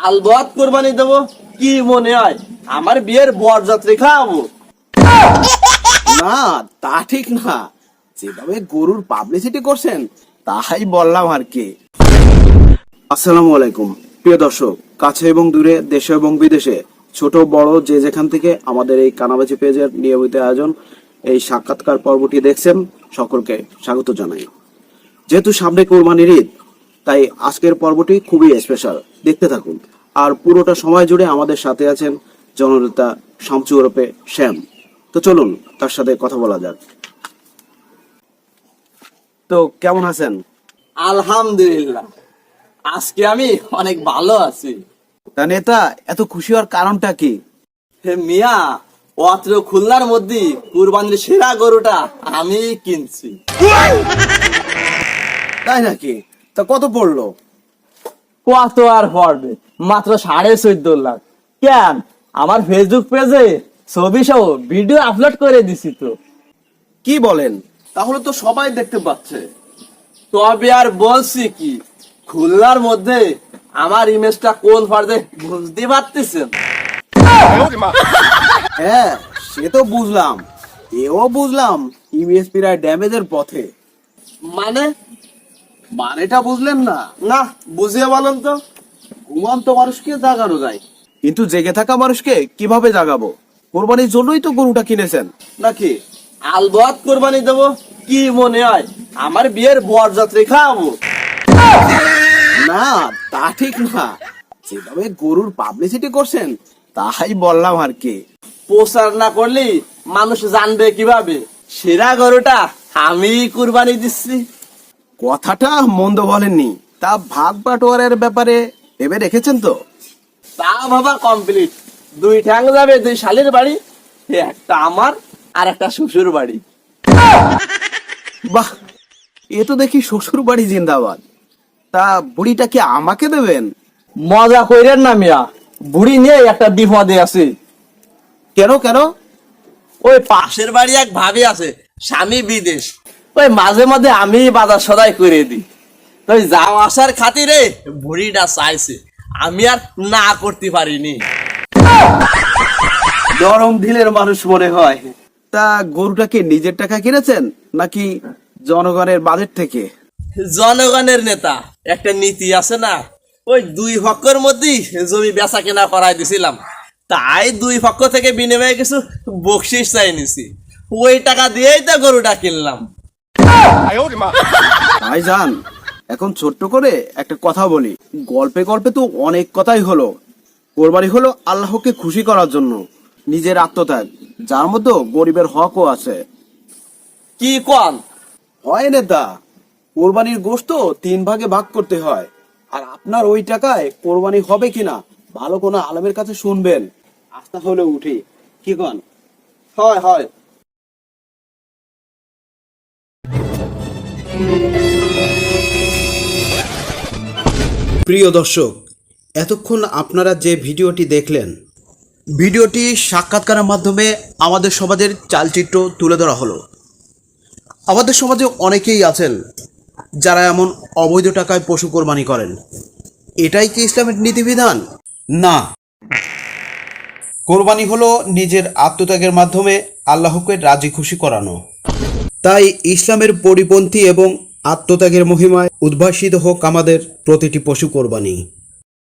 আলবত কোরবানি দেবো কি মনে হয় আমার বিয়ের বরযাত্রী খাওয়াবো? না, তা ঠিক না। যেভাবে গরুর পাবলিসিটি করছেন তাই বললাম আর কি। আসসালামু আলাইকুম প্রিয় দর্শক, কাছে এবং দূরে, দেশে এবং বিদেশে, ছোট বড় যে যেখান থেকে আমাদের এই কানাবাজি পেজের নিয়মিত আয়োজন এই সাক্ষাৎকার পর্বটি দেখছেন, সকলকে স্বাগত জানাই। যেহেতু সামনে কোরবানির ঈদ, তাই আজকের পর্বটি খুবই স্পেশাল, দেখতে থাকুন। আর পুরোটা সময় জুড়ে আমাদের সাথে আছেন জননেতা শামচু ওরফে শ্যাম। তো চলুন তার সাথে কথা বলা যাক। তো কেমন আছেন? আলহামদুলিল্লাহ, আজকে আমি অনেক ভালো আছি। তা নেতা, এত খুশি হওয়ার কারণটা কি? হে মিয়া, অত্র খুলনার মধ্যে কুরবানির সেরা গরুটা আমি কিনছি। তাই নাকি? তা কত পড়লো? কত আর পড়বে, মাত্র 14.5 লাখ। কেন, আমার ফেসবুক পেজে ছবি সহ ভিডিও আপলোড করে দিছি তো। কি বলেন? তাহলে তো সবাই দেখতে পাচ্ছে। তবে আর বলছি কি, খুলনার মধ্যে আমার ইমেজটা কোন ফার্দে বুঝতে পারতেছেন? হ্যাঁ, সে তো বুঝলাম, এও বুঝলাম ইমেজ প্রায় ড্যামেজের পথে। মানে মানেটা বুঝলেন না? না, বুঝিয়ে বলেন তো। ঘুমন্ত মানুষকে জাগানো যায়, কিন্তু জেগে থাকা মানুষকে কিভাবে জাগাবো? কোরবানির জন্যই তো গরুটা কিনেছেন নাকি? আলবত কোরবানি দেবো কি মনে হয় আমার বিয়ের বরযাত্রী খাওয়াবো? না, তা ঠিক না। যেভাবে গরুর পাবলিসিটি করছেন তাই বললাম আর কি। প্রচার না করলে মানুষ জানবে কিভাবে সেরা গরুটা আমি কুরবানি দিচ্ছি? কথাটা মন্দ বলেননি। তা ভাগ বাটোয়ারের ব্যাপারে ভেবে রেখেছেন তো? তা বাবা কমপ্লিট। 2 ঠ্যাং যাবে 2 শালির বাড়ি, একটা আমার আর একটা শ্বশুর বাড়ি। বাহ, এ তো দেখি শ্বশুর বাড়ি জিন্দাবাদ। তা বুড়িটা কি আমাকে দেবেন? মজা কইরেন না মিয়া, বুড়ি নিয়ে একটা বিপদে আছে। কেন কেন? ওই পাশের বাড়ি এক ভাবি আছে, স্বামী বিদেশ। ওই মাঝে মাঝে আমি বাজার সদাই করে দিই। তো ওই যাও আসার খাতিরে বুড়িটা চাইছে, আমি আর না করতে পারিনি। নরম দিলের মানুষ মনে হয়। তা গরুটাকে নিজের টাকা কিনেছেন নাকি জনগণের বাজেট থেকে? জনগণের নেতা, একটা নীতি আছে না, ওই 2 পক্ষের মধ্যেই জমি বেচা কেনা করাই দিছিলাম। তাই 2 পক্ষ থেকে বিনিময়ে কিছু বকশিস চাই নিছি, ওই টাকা দিয়েই তো গরুটা কিনলাম। ভাইজান, এখন ছোট্ট করে একটা কথা বলি। গল্পে গল্পে তো অনেক কথাই হলো। কোরবানি হলো আল্লাহকে খুশি করার জন্য নিজের আত্মত্যাগ, যার মধ্যে গরিবের হকও আছে। কি কন? হয় নেতা, কোরবানির গোশত 3 ভাগে ভাগ করতে হয়। আর আপনার ওই টাকায় কোরবানি হবে কিনা ভালো কোনো আলেমের কাছে শুনবেন, আস্থা হলে উঠি। কি কন? হয় হয়। প্রিয় দর্শক, এতক্ষণ আপনারা যে ভিডিওটি দেখলেন, ভিডিওটি সাক্ষাৎকারের মাধ্যমে আমাদের সমাজের চালচিত্র তুলে ধরা হলো। আমাদের সমাজে অনেকেই আছেন যারা এমন অবৈধ টাকায় পশু কোরবানি করেন। এটাই কি ইসলামের নীতিবিধান? না, কোরবানি হলো নিজের আত্মত্যাগের মাধ্যমে আল্লাহকে রাজি খুশি করানো। তাই ইসলামের পরিপন্থী এবং আত্মত্যাগের মহিমায় উদ্ভাসিত হোক আমাদের প্রতিটি পশু কোরবানি।